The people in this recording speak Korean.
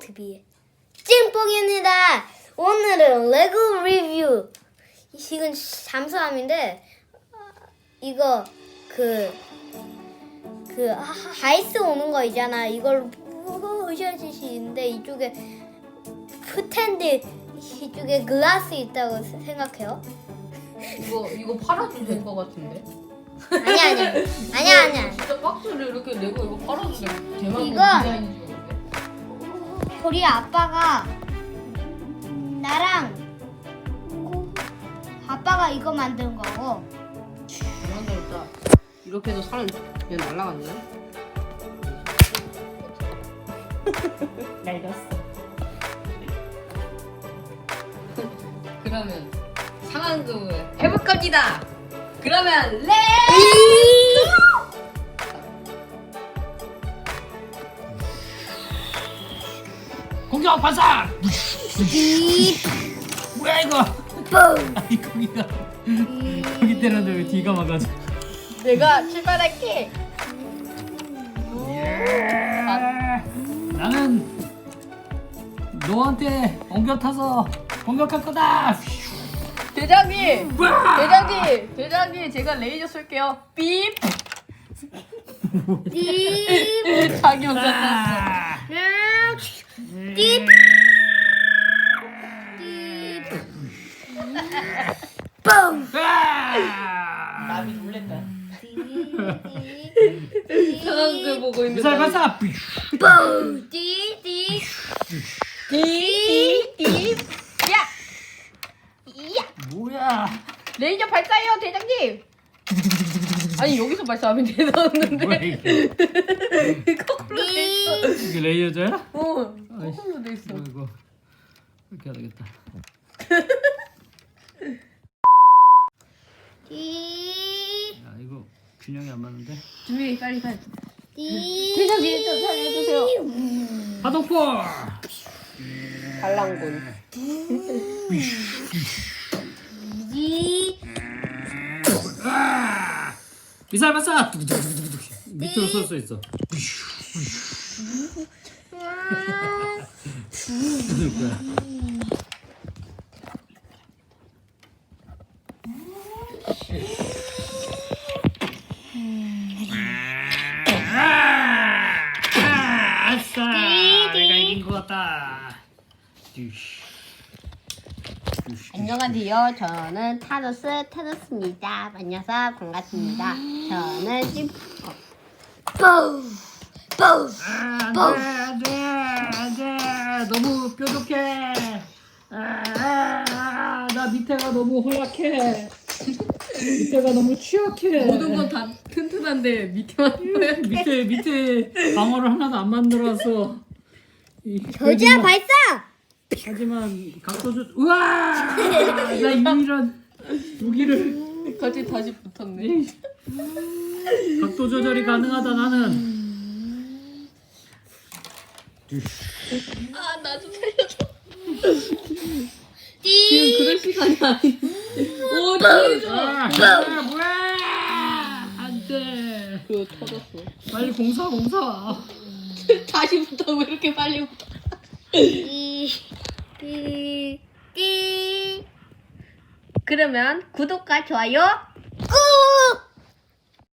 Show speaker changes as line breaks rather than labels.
TV의 찐뽕입니다. 오늘은 레고 리뷰. 이건 잠수함인데 이거 아이스 오는 거 있잖아. 이걸 부셔주시는데 이쪽에 푸텐드 이쪽에 글라스 있다고 생각해요.
이거 팔아도 될 것 같은데?
아니야.
진짜 박스를 이렇게 내고 이거 팔아도 돼. 대박
이거
디자인인 줄 알았는데.
우리 아빠가 나랑 아빠가 이거 만든 거고.
만들었다. 이렇게 해서 사람 그냥 날라갔네.
날렸어.
그러면 상황극을 해볼 겁니다. 그러면
공격 발사! 뭐야 이거? 아니 거기 때렸는데 왜 뒤가 막아져?
내가 출발할게.
나는 너한테 엉겨 타서 공격할 거다.
대장님, 대장님, 제가 레이저 쏠게요. 삐. 자기 혼자 땄어.
띠. 뽕.
나비 놀랬다. 상황극 보고 있는.
미사일 발사.
뽕. 띠.
야,
뭐야?
레이저 발사해요, 대장님. 아니 여기서 발사하면
뭐야
되는데.
이게?
거꾸로 돼 있어.
이게 레이저야?
거꾸로 돼 있어.
이거 이렇게 해야 되겠다.
띠.
야 이거 균형이 안 맞는데?
준비 빨리.
띠.
대장님 좀 살려주세요.
파동포.
반란군.
띠.
미사일 발사. 밑으로 쏠 수 있어. 아싸! 내가 이긴 것 같다.
안녕하세요. 저는 타노스입니다. 만나서 반갑습니다. 저는
뽕. 뽕.
안돼 너무 뾰족해. 나 밑에가 너무 허약해. 밑에가 너무 취약해.
모든 건 다 튼튼한데 밑에만
밑에 방어를 하나도 안 만들어서.
겨자 발사.
하지만 각도조 우와 나 이런 무기를
같이 다시 붙었네.
각도 조절이 가능하다 나는.
아, 나 좀 살려줘.
띠.
지금 그럴 시간이 아닌데. 오, 살려줘.
뭐야 안돼.
그거 터졌어.
빨리 공사
다시 붙어. 왜 이렇게 빨리 붙어?
띠.
그러면 구독과 좋아요